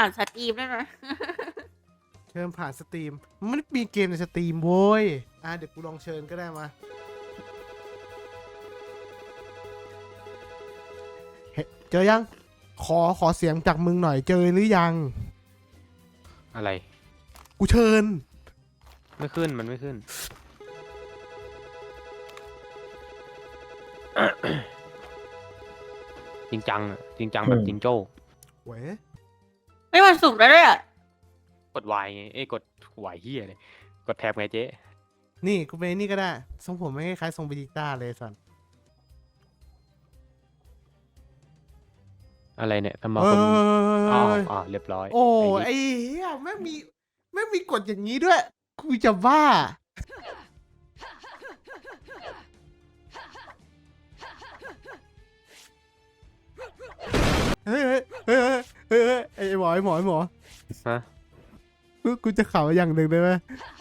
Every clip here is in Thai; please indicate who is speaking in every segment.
Speaker 1: ผ่านสตรีมด้วยนะ
Speaker 2: เชิญผ่านสตรีมมันไม่ได้มีเกมในสตรีมโว้ยเดี๋ยวกูลองเชิญก็ได้มาเฮ้ยเจอยังขอเสียงจากมึงหน่อยเจอหรือยัง
Speaker 3: อะไร
Speaker 2: กูเชิญ
Speaker 3: ไม่ขึ้นมันไม่ขึ้น จริงจังอะจริงจังแบบจิงโจ้
Speaker 2: เว้ย
Speaker 1: ไม่มันสุกแล้วด้วยอ่ะ
Speaker 3: กด Y ไงกด Y เฮียเลยกดแท็บไงเจ๊
Speaker 2: นี่กูไปนี่ก็ได้ทรงผมไม่คล้ายๆทรงเบจิต้าเลยสัน
Speaker 3: อะไรเนี่ยทำไม
Speaker 2: เอ
Speaker 3: คนอ๋อ
Speaker 2: อ
Speaker 3: อ๋อเรียบร้อย
Speaker 2: โอ้
Speaker 3: ไอ้
Speaker 2: ไอ้เหี้ยแม่งมีกฎอย่างนี้ด้วยกูจะบ้าเฮ้ยไอ้หมอ
Speaker 3: ฮะ
Speaker 2: กูจะข่าวอย่างหนึ่งได้ไหม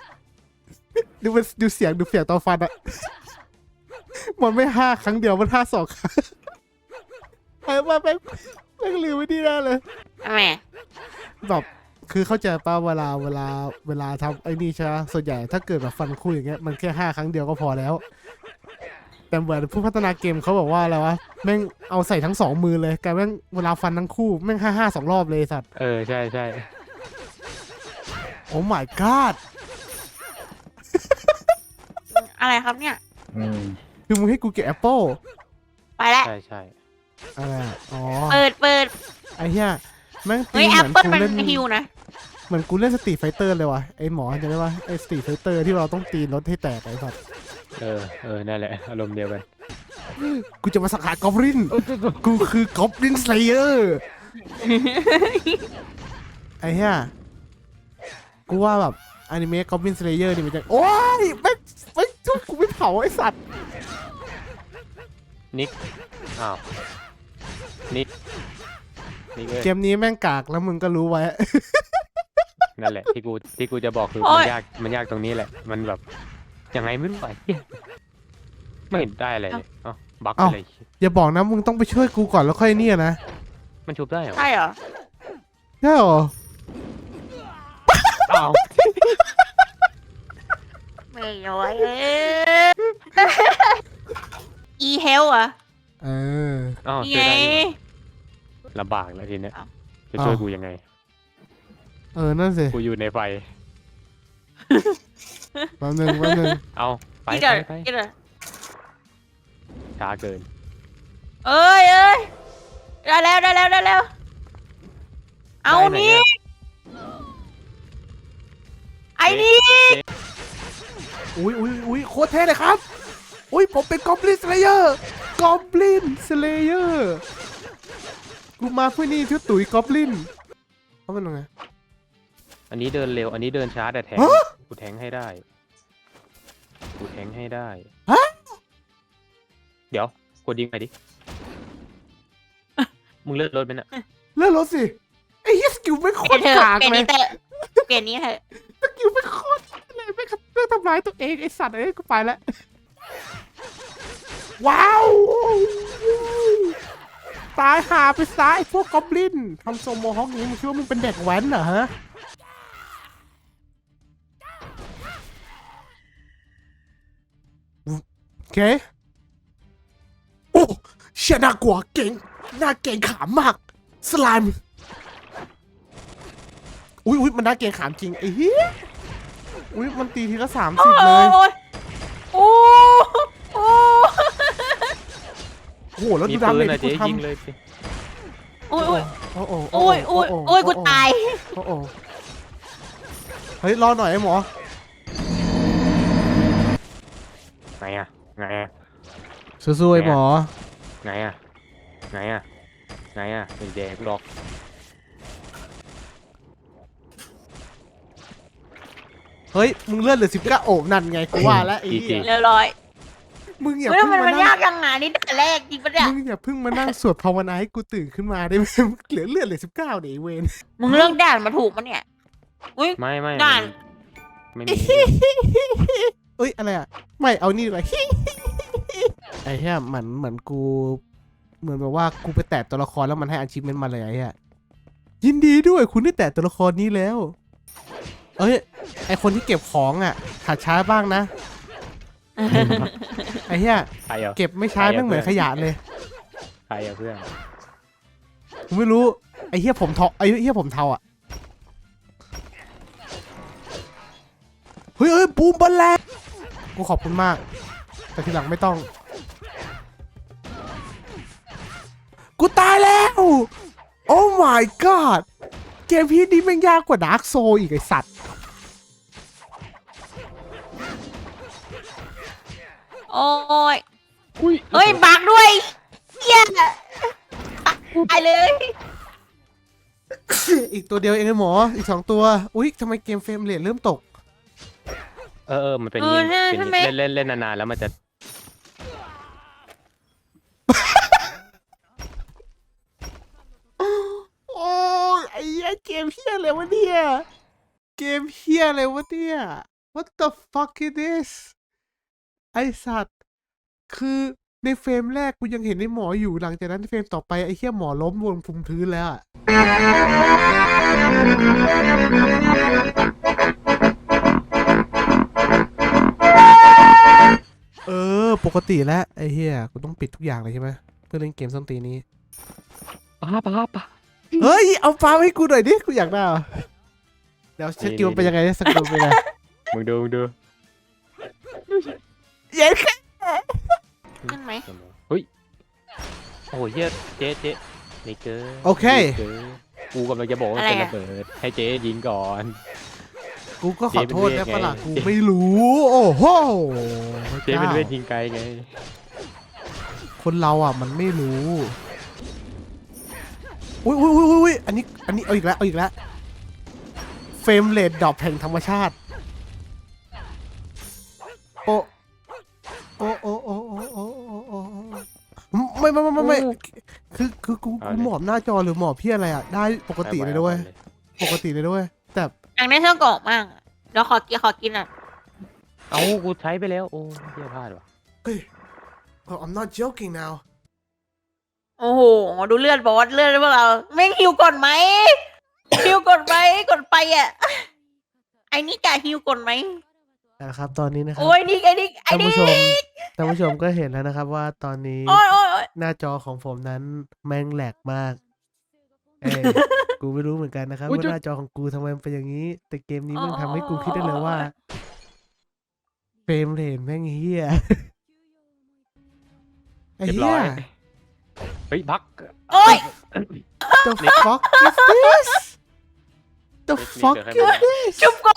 Speaker 2: ดูเสียงตอนฟันอะมันไม่5 ครั้งเดียวมัน5 2 ครั้งไอ้ว่าแม่งลืมไว้ดีแน่เลย
Speaker 1: ทำไม
Speaker 2: แบบคือเข้าใจป่ะเวลาทำไอ้นี่ใช่ไหมส่วนใหญ่ถ้าเกิดแบบฟันคู่อย่างเงี้ยมันแค่5 ครั้งเดียวก็พอแล้วแต่เหมือนผู้พัฒนาเกมเขาบอกว่าอะไรวะแม่งเอาใส่ทั้ง2 มือเลยกลายแม่งเวลาฟันทั้งคู่แม่ง5 2 รอบเลยสัตว์
Speaker 3: ใช่ใช่
Speaker 2: โอ้ my god
Speaker 1: อะไรครับเนี่ย
Speaker 2: คือมึงให้กูเก็บแอปเปิล
Speaker 1: ไปแล้ว
Speaker 3: ใช่ใช่
Speaker 2: อะไรอะอ๋อ
Speaker 1: เปิด
Speaker 2: ไอ้เหี้ยแม่งตี
Speaker 1: เฮ้ย
Speaker 2: เห
Speaker 1: แอ
Speaker 2: มื
Speaker 1: ป
Speaker 2: อน
Speaker 1: เปิล
Speaker 2: กู
Speaker 1: มัน
Speaker 2: เล่น
Speaker 1: ฮิวนะ
Speaker 2: เหมือนกูเล่นสตรีทไฟเตอร์เลยวะไอ้หมอจำได้ปะไอ้สตรีทไฟเตอร์ที่เราต้องตีรถให้แตกไอ้สัตว์
Speaker 3: นั่นแหละอารมณ์เดียวกัน
Speaker 2: กูจะมาสังหารกอบลินกูคือกอบลินสเลเยอร์ไอ้เหี้ยกูว่าแบบอนิเมะกอบลินสเลเยอร์นี่มันจะโอ้ยไม่จุกกูไม่เผาไอ้สัตว์
Speaker 3: นิกอ้าวนิกเว้ย
Speaker 2: เกมนี้แม่งกากแล้วมึงก็รู้ไว้
Speaker 3: นั่นแหละที่กูจะบอกคือมันยากตรงนี้แหละมันแบบยังไงไม่รู้ไอ้เหี้ยไม่เห็นได้อะไรเลยบั๊กอะไร
Speaker 2: อย่าบอกนะมึงต้องไปช่วยกูก่อนแล้วค่อยเนี่ยนะ
Speaker 3: มันชุบได้เหรอ
Speaker 1: ใช่เหรอ
Speaker 2: ใช่เหรอ
Speaker 3: อ้าว
Speaker 1: ไม่ย้อยอีเฮลอ่ะ
Speaker 2: เออ
Speaker 3: อ้าว
Speaker 1: นี่
Speaker 3: ช่วย
Speaker 1: ไง
Speaker 3: ได้อยู่ลำบากแล้วทีเนี้ย
Speaker 1: อ้าว
Speaker 3: จะช่วยกูยังไง
Speaker 2: นั่นสิ
Speaker 3: กูอยู่ในไฟ
Speaker 2: แป๊บนึง
Speaker 3: เอาไป
Speaker 1: นี่เดี๋ยว
Speaker 3: ไป
Speaker 1: นี่เดี๋ยว
Speaker 3: ช้าเกิน
Speaker 1: เอ้ยได้แล้วเอานี่ไอ้นี่
Speaker 2: อุ้ยโคตรเท่เลยครับอุ้ยผมเป็นกอบลินสเลเยอร์กูมาเพื่อนี่ชื่อตุ๋ยกอบลินเขาเป็นยังไง
Speaker 3: อันนี้เดินเร็ว อันนี้เดินช้าแต่แทง
Speaker 2: ฮะ
Speaker 3: กูแทงให้ได้
Speaker 2: ฮะ
Speaker 3: เดี๋ยวกดยิงไปดิ มึงเลื่อนรถไปน่ะ
Speaker 2: เลื่อนรถสิไอ้เหี้ยสกิลไม่โค
Speaker 1: เปลี่ย
Speaker 2: ต
Speaker 1: น
Speaker 2: ร
Speaker 1: เถอะ
Speaker 2: กาก
Speaker 1: เปลี่ยน
Speaker 2: เลย
Speaker 1: นี้เถอะเปลี่ยนนี้เถอะ
Speaker 2: สกิลไม่โคตรเลยไม่ขัดเรื่องทำร้ายตัวเองไอ้สัตว์กูไปแล้วว้าวตายหาไปซ้ายพวกกอบลินทำโซโมฮอกนี้มึงคิดว่ามึงเป็นเด็กแว้นเหรอฮะโอเคโอ้เชี่ยน่ากลัวเก่งน่าเก่งขามมากสไลม์อุ้ยมันน่าเก่งขามจริงไอ้เหี้ยอุ้ยมันตีทีละ30เลย
Speaker 1: โอ้โอ้
Speaker 2: โอ้โหแล้ว
Speaker 3: มี
Speaker 2: ดูดา
Speaker 3: ปื
Speaker 2: เม
Speaker 3: น
Speaker 2: จ
Speaker 3: อะ
Speaker 2: ที่
Speaker 3: เจ๊
Speaker 2: กูท
Speaker 3: ยิงเลยสิ
Speaker 1: โอ้ย
Speaker 2: ำโอ้โห
Speaker 1: โอ้ยกูตาย
Speaker 2: โอ้โหเฮ้ยรอหน่อยไอ้หมอ
Speaker 3: ไงอะ
Speaker 2: สู้ๆไอ้หมอ
Speaker 3: ไงอะเป็นแดงหรอก
Speaker 2: เฮ้ยมึงเลื่อนเหลือ19โอ้นั่นไงกูว่าแล้วไอ้เหี้ย
Speaker 1: เรียบร้อย
Speaker 2: มึงอย่า
Speaker 1: เฮ้ย
Speaker 2: เพิ่ง
Speaker 1: มัน
Speaker 2: มานั่
Speaker 1: ยาง กยังไงนี่แต่แรกจริงปะเนี่ย
Speaker 2: มึงอย่าเพิ่งมานั่งสวดภาวนาให้กูตื่นขึ้นมาได้ไหมเหลือเลือดเหลือ19เดี๋ยวไอ้เวน
Speaker 1: มึงเลือกด่านมาถูกปะเนี่ยอุ้ย
Speaker 3: ไม่
Speaker 1: ด่าน
Speaker 3: ไม่มี
Speaker 2: เอ้ยอะไรอ่ะไม่เอานี่ดีกว่า ไอ้เหี้ยเหมือนกูเหมือนแบบว่ากูไปแตะตัวละครแล้วมันให้ achievement มาเลยไอ้เหี้ยยินดีด้วยคุณได้แตะตัวละครนี้แล้ว เอ้ยไอคนที่เก็บของอ่ะหัดช้าบ้างนะไอ้เหี้ย
Speaker 3: ใครเหรอ
Speaker 2: เก็บไม่ช้าแม่งเหมือนขยะเลย
Speaker 3: ใครอะเพื่อน
Speaker 2: กูไม่รู้ไอ้เหี้ยผมเทาไอ้เหี้ยผมเทาอ่ะเฮ้ยบูมบอลแลนกูขอบคุณมากแต่ทีหลังไม่ต้องกูตายแล้วโอ้ my god เกมพีนี้แม่งยากกว่าดาร์กโซอีกไอสัตว์
Speaker 1: โอ้ย
Speaker 3: อุ้ย
Speaker 1: เฮ้ยบักด้วยเหี้ยตายเลย
Speaker 2: อีกตัวเดียวเองไอ้หมออีก2ตัวอุ๊ยทำไมเกมเฟรมเรทเริ่มตก
Speaker 3: มันเป็น
Speaker 1: เอ
Speaker 3: นี่
Speaker 1: อใช่
Speaker 3: เป็น
Speaker 1: ทำไม
Speaker 3: เล่นนานๆแล้วมันจะ
Speaker 2: โอ้ยไอ้เหี้ยเกมเฮียอะไรวะเนี่ยเกมเฮียอะไรวะเนี่ย What the fuck is this ไอสัตว์คือในเฟรมแรกกูยังเห็นไอ้หมออยู่หลังจากนั้นเฟรมต่อไปไอ้เฮียหมอล้มบนภูมิพื้นแล้วอะปกติแล้วไอ้เฮียกูต้องปิดทุกอย่างเลยใช่ไหมเพื่อเล่นเกมส้นตีนนี้
Speaker 3: ป้า
Speaker 2: เฮ้ยเอาปลาให้กูหน่อยดิกูอยากได้อะเดี๋ยวสกิลเป็นยังไงเนี่ยสกิลเป็นยังไง
Speaker 3: มึงดู
Speaker 2: เย้แค่
Speaker 1: ขึ้นไหม
Speaker 3: เฮ้ยโอ้ยเหี้ยเจ๊นี่เกิน
Speaker 2: โอเค
Speaker 3: กูกำลังจะบอกว่าเป็นระเบิดให้เจ๊ยิงก่อน
Speaker 2: กูก็ขอโทษนะ
Speaker 3: เจ๊เป็นเวทไง
Speaker 2: ปะล่ะกูไม่รู้ โอ้โห
Speaker 3: เจ๊เป็นเวทยิงไกลไง
Speaker 2: คนเราอ่ะมันไม่รู้อุ้ยอันนี้เอาอีกแล้วเฟรมเรทดรอปแห่งธรรมชาติโอ้ไม่คือกูหมอบหน้าจอหรือหมอบพี่อะไรอ่ะได้ปกติเลยด้วยปกติเลยด้วยแต่
Speaker 1: อยากได้เสื้อกรอกมากอะเดี๋ยวขอกินอ่ะ
Speaker 3: เอากูใช้ไปแล้วโอ้เหี้ยพลาดว่ะ
Speaker 2: เฮ้ย I'm not joking now
Speaker 1: โอ้โหดูเลือดบอสเลือดพวกเราแม่งฮิวก่อนไหมฮิวก่อนไหมก่อนไปอ่ะไอ้นี่กะฮิวก่อนไหม
Speaker 2: นะครับตอนนี้นะครับ
Speaker 1: โอ้ยนี่ไอ้นี่
Speaker 2: ท่านผู้ชมก็เห็นแล้วนะครับว่าตอนนี้
Speaker 1: โอ้ย
Speaker 2: หน้าจอของผมนั้นแม่งแหลกมาก เอ้ย กูไม่รู้เหมือนกันนะครับว่าหน้าจอของกูทำไมมันเป็นอย่างนี้ แต่เกมนี้มันทำให้กูคิดได้เลยว่าเฟรมเรทแม่งเฮียไอ้
Speaker 3: เรียบ
Speaker 2: เฮี
Speaker 3: ร้อย ยเฮ้ยบัก
Speaker 1: โอ้ย
Speaker 2: The fuck is this The fuck is this
Speaker 1: ชุบก่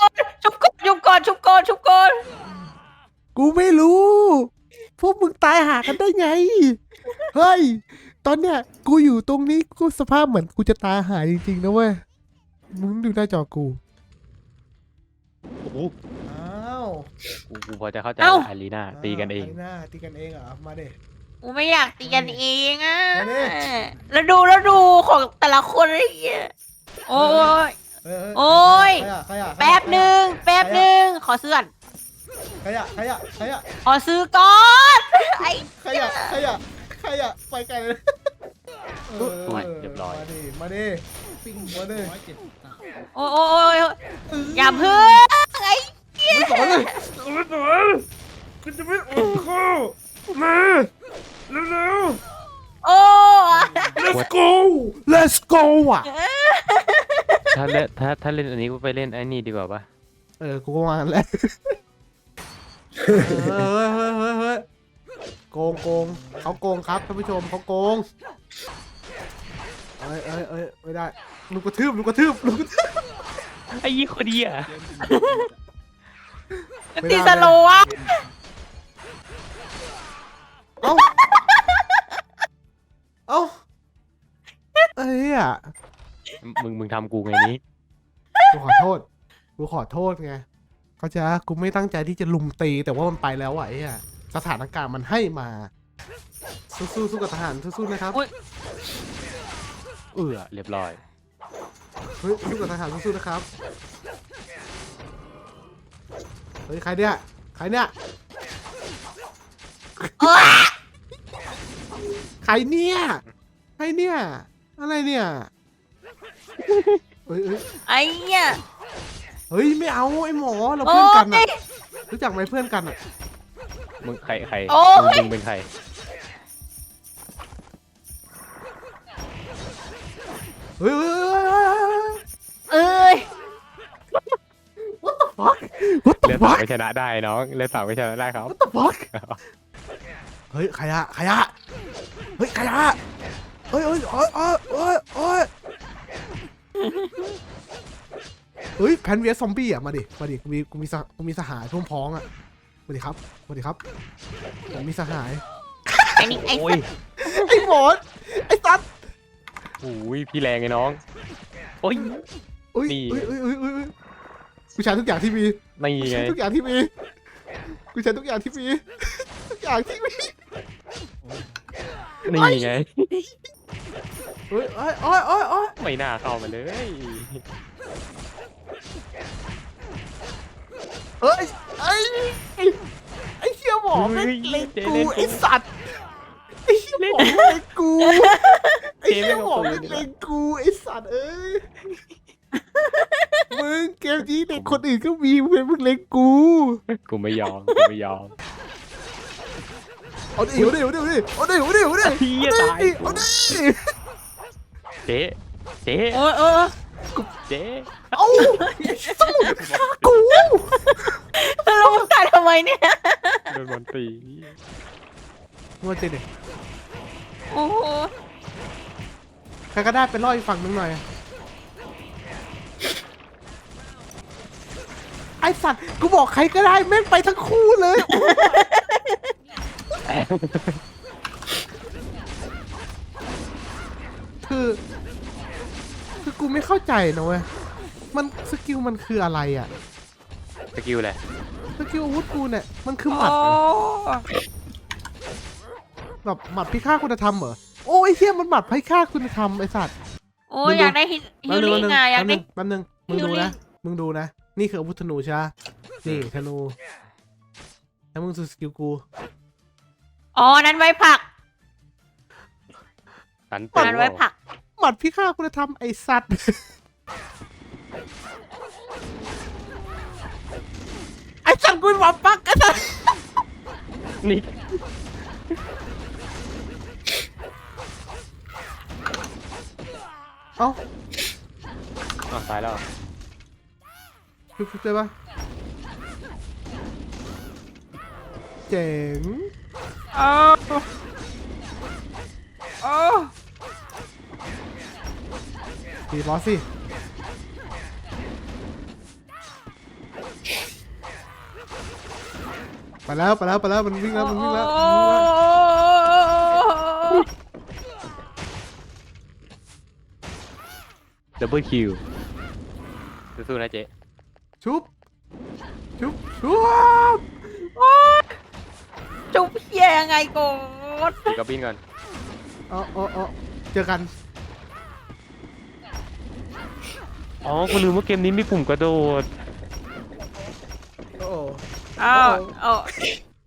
Speaker 1: อน
Speaker 2: กูไม่รู้ พวกมึงตายหากันได้ไง เฮ้ย ตอนเนี้ยกูอยู่ตรงนี้กูสภาพเหมือนกูจะตายหาจริงๆนะเว้ย มึงดูหน้าจอกู
Speaker 3: โอ้โห
Speaker 2: อ้าว
Speaker 3: กูพอจะเข้าใจ
Speaker 1: เอ้า
Speaker 3: อารีนาตีกันเอง
Speaker 2: ตีกันเองเหรอ มาดิ
Speaker 1: กูไม่อยากตีกันเองอ่ะ
Speaker 2: มาดิ
Speaker 1: แล้วดูของแต่ละคนอะไรอย่างเงี้ยโอ้ย โอ้ย แป๊บหนึ่งขอซื้อก่อน
Speaker 2: ขยะ
Speaker 1: ขอซื้อก่อนไอ้
Speaker 2: ขยะ ไปไกลเลย
Speaker 3: เรียบร้อย
Speaker 2: มาดิปิ้งมาดิ
Speaker 1: โอ้ยอย่าเพิ่งไอ้
Speaker 2: ไม่สอนเลยไม่สอนกูจะไม่อดข้าวมาเร็ว
Speaker 1: โอ้
Speaker 2: Let's go อ่ะ
Speaker 3: ถ้าเล่นอันนี้กูไปเล่นไอ้นี่ดีกว่าปะ
Speaker 2: กูก็มาแล้วเฮ้ยโกงเขาโกงครับท่านผู้ชมเขาโกงไม่ได้ลูกกระทืบ
Speaker 3: ไอ้ยี่คนเดีย
Speaker 1: ตีสโลว์อะ
Speaker 2: เอ้าเอ้ยอ่ะ
Speaker 3: มึงทำกูไงนี้
Speaker 2: กูขอโทษไงเขาใจกูไม่ตั้งใจที่จะลุมตีแต่ว่ามันไปแล้วอ่ะไอ้อ่ะสถานการณ์มันให้มาสู้กับทหารสู้นะครับ
Speaker 3: เรียบร้อย
Speaker 2: เฮ้ยสู้กับทหารสู้นะครับเฮ้ยใครเนี่ยใครเนี่ยอะไรเนี่ยเฮ้ยเฮ้ย
Speaker 1: ไอ้เนี่ย
Speaker 2: เฮ้ยไม่เอาไอ้หมอเรา
Speaker 1: โอ้
Speaker 2: เพื่อนกันอะ
Speaker 1: ย
Speaker 2: รู้จักไหมเพื่อนกันอะ
Speaker 3: มึงใคร
Speaker 1: โอ้ย
Speaker 3: มึงเป็นใคร
Speaker 2: เฮ้ย
Speaker 1: เอ้ย
Speaker 2: what the fuck what
Speaker 3: เลื
Speaker 2: the
Speaker 3: อดสาว
Speaker 2: fuck
Speaker 3: ไม่ชนะได้น้องเลือดสาวไม่ชนะได้ครับ
Speaker 2: what the fuck เฮ้ยใครอะเฮ้ยใครอะเฮ้ยเฮ้ยโอ้ยโอ้ยโอ้ยโอ้ยเฮ้ยแพนเวียซอมบี้อะมาดิกูมีสหายพร้อมพ้องอะสวัสดีครับผมมีสหาย
Speaker 1: ไอ้นี่ไอ้
Speaker 3: โอ้
Speaker 1: สั
Speaker 3: ย
Speaker 1: ตว์
Speaker 2: ไอ้หมอนไอ้สัตว์
Speaker 3: โอ้ยพี่แรงไงน้องโอ้ย
Speaker 2: อุ้ย
Speaker 3: นี่
Speaker 2: อุ้ยกูใช้ทุกอย่างที่มี
Speaker 3: นี่
Speaker 2: กู
Speaker 3: ไง
Speaker 2: ใช้ทุกอย่างที่มีทุกอย่างที่มีทุกอย่างที่มี
Speaker 3: นี่ไง
Speaker 2: เฮ้ยโอ้ย
Speaker 3: ไม่น่าเข้ามาเลย
Speaker 2: เอ้ยไอ้เชี่ยหมอแม่งเล็งกูไอ้สัตว์ไอ้เชี่ยหมอแม่งเล็งกูไอ้เชี่ยหมอแม่งเล็งกูไอ้สัตว์เอ้ยมึงเกมนี้เด็กคนอื่นก็มีมึงเล็งกู
Speaker 3: กูไม่ยอม
Speaker 2: เอาดิ
Speaker 3: เหี้ยตาย
Speaker 2: เอาดิ
Speaker 3: เจ๊เจ๊
Speaker 1: โอ้ย
Speaker 3: เจ๊
Speaker 2: เอาสู้ฆ่ากู
Speaker 1: แล้วมึงตายทำไมเนี่ย
Speaker 3: โดนบอลตี
Speaker 2: มัวเจเด็ก
Speaker 1: โอ้โห
Speaker 2: ใครก็ได้ไปล่ออีกฝั่งนึงหน่อยไอสัตว์กูบอกใครก็ได้แม่งไปทั้งคู่เลยคือกูไม่เข้าใจนะเว้ยมันสกิลมันคืออะไรอ่ะ
Speaker 3: สกิลแหละ
Speaker 2: สกิลอาวุธกูเนี่ยมันคือห
Speaker 1: โอ้
Speaker 2: มัดอะแบบหมัดพิฆาตคุณธรรมเหรอโอ้ยเฮียมันหมัดพิฆาตคุณธรรมไอสัตว์
Speaker 1: โอ้ยอยากได้ฮิลลิ่งอะอยากได้
Speaker 2: แป๊บนึงมึงดูนะ นี่คืออาวุธธนูใช่ไหมนี่ธนูแล้วมึงดูสกิลกู
Speaker 1: อ๋อนั้นไว้ผัก
Speaker 3: สัน
Speaker 1: นั้นไว้ผัก
Speaker 2: หมัดพิฆาตคุณธรรมไอสัตว์ ไอสัตว์กูเป็นหมาปักไอสัตว์
Speaker 3: นี่
Speaker 2: เอ้า
Speaker 3: ตายแล้ว
Speaker 2: ชุบได้ปะเจ๋ง
Speaker 1: โอ้
Speaker 2: ตีบอสสิไปแล้วมันวิ่งแล้ว
Speaker 3: ดับเบิลคิวสู้ๆนะเจ๊
Speaker 2: ชุบ
Speaker 1: จุบเพี้ยยังไงก่อน
Speaker 3: ตีกับบินก่อน
Speaker 2: เจอกัน
Speaker 3: อ๋อกูลืมว่าเกมนี้มีปุ่มกระโดด
Speaker 2: โอ้
Speaker 1: อ้าว